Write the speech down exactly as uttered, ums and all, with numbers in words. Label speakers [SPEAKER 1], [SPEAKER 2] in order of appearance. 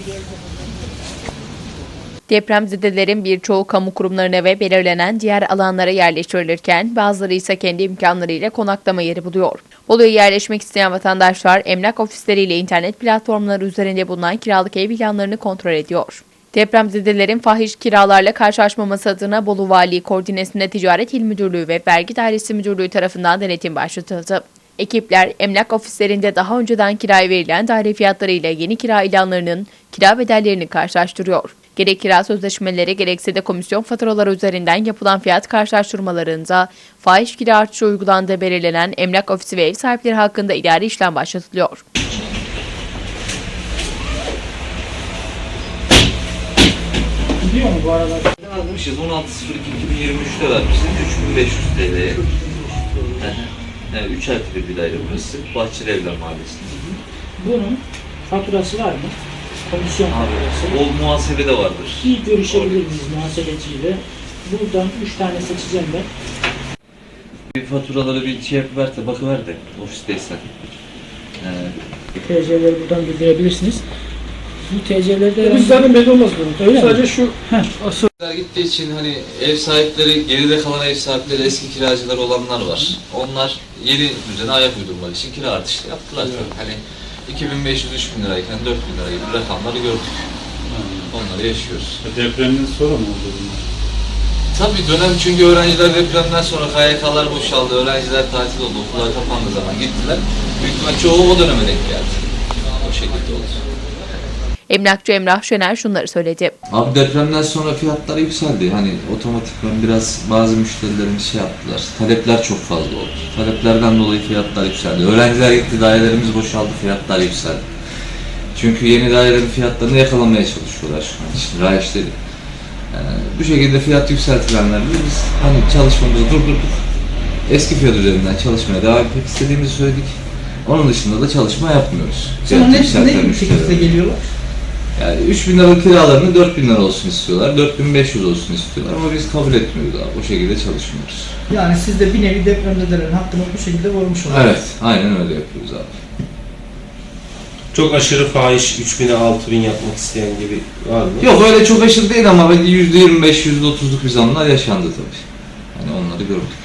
[SPEAKER 1] Depremzedelerin birçoğu kamu kurumlarına ve belirlenen diğer alanlara yerleştirilirken bazıları ise kendi imkanlarıyla konaklama yeri buluyor. Bolu'ya yerleşmek isteyen vatandaşlar emlak ofisleriyle internet platformları üzerinde bulunan kiralık ev ilanlarını kontrol ediyor. Depremzedelerin fahiş kiralarla karşılaşmaması adına Bolu Valiliği koordinesinde Ticaret İl Müdürlüğü ve Vergi Dairesi Müdürlüğü tarafından denetim başlatıldı. Ekipler emlak ofislerinde daha önceden kiraya verilen daire fiyatları ile yeni kira ilanlarının kira bedellerini karşılaştırıyor. Gerek kira sözleşmeleri gerekse de komisyon faturaları üzerinden yapılan fiyat karşılaştırmalarında fahiş kira artışı uygulandığı belirlenen emlak ofisi ve ev sahipleri hakkında idari işlem başlatılıyor.
[SPEAKER 2] Biliyor mu bu arada?
[SPEAKER 3] Almışız on altı sıfır iki iki bin yirmi üç'te vermişiz üç bin beş yüz TL'ye. Yani üç artı bir bir daire burası. Bahçeli Evler Mahallesi'nde.
[SPEAKER 2] Bunun faturası var mı? Komisyon faturası.
[SPEAKER 3] O muhasebede vardır.
[SPEAKER 2] İyi görüşebilir miyiz muhasebeciyle? Buradan üç tane seçeceğim ben.
[SPEAKER 3] Bir faturaları bir şey yapıver de bakıver de ofisteysen. Ee,
[SPEAKER 2] T C'leri buradan bildirebilirsiniz. Bu T C'lerde...
[SPEAKER 4] Biz zaten belli olmaz bunun.
[SPEAKER 2] Öyle
[SPEAKER 4] Sadece
[SPEAKER 2] mi?
[SPEAKER 4] şu asıl.
[SPEAKER 3] Gittiği için hani ev sahipleri, geride kalan ev sahipleri, eski kiracılar olanlar var. Onlar yeni düzene ayak uydurmak için kira artışı yaptılar. Evet. Hani iki bin beş yüz üç bin lirayken dört bin lira gibi rakamları gördük. Hmm. Onları yaşıyoruz.
[SPEAKER 4] Depremden sonra mı oldu bunlar?
[SPEAKER 3] Tabii dönem çünkü öğrenciler depremden sonra K Y K'lar boşaldı, öğrenciler tatil oldu, okullar kapandığı zaman gittiler. Büyük ihtimal çoğu o döneme denk geldi. O şekilde oldu.
[SPEAKER 1] Emlakçı Emrah Şener şunları söyledi.
[SPEAKER 3] Abi depremden sonra fiyatlar yükseldi. Hani otomatikman biraz bazı müşterilerimiz şey yaptılar. Talepler çok fazla oldu. Taleplerden dolayı fiyatlar yükseldi. Öğrenciler gitti, dairelerimiz boşaldı, fiyatlar yükseldi. Çünkü yeni dairelerin fiyatlarını yakalamaya çalışıyorlar şu an için. Rayiçleri. Yani bu şekilde fiyat yükseltilenlerle biz hani çalışmamızı durdurduk. Eski fiyat üzerinden çalışmaya devam etmek istediğimizi söyledik. Onun dışında da çalışma yapmıyoruz.
[SPEAKER 2] Sonra ne, ne şekilde geliyorlar?
[SPEAKER 3] Yani üç bin liralık kiralarını dört bin lira olsun istiyorlar, dört bin beş yüz olsun istiyorlar ama biz kabul etmiyoruz abi, o şekilde çalışmıyoruz.
[SPEAKER 2] Yani siz de bir nevi depremzedelerin hakkını bu şekilde korumuş oluyorsunuz.
[SPEAKER 3] Evet, aynen öyle yapıyoruz abi.
[SPEAKER 5] Çok aşırı fahiş üç bin'e altı bin yapmak isteyen gibi var mı?
[SPEAKER 3] Yok öyle çok aşırı değil ama yüzde yirmi beş yüzde otuzluk bir zamlar yaşandı tabii. Hani onları gördük.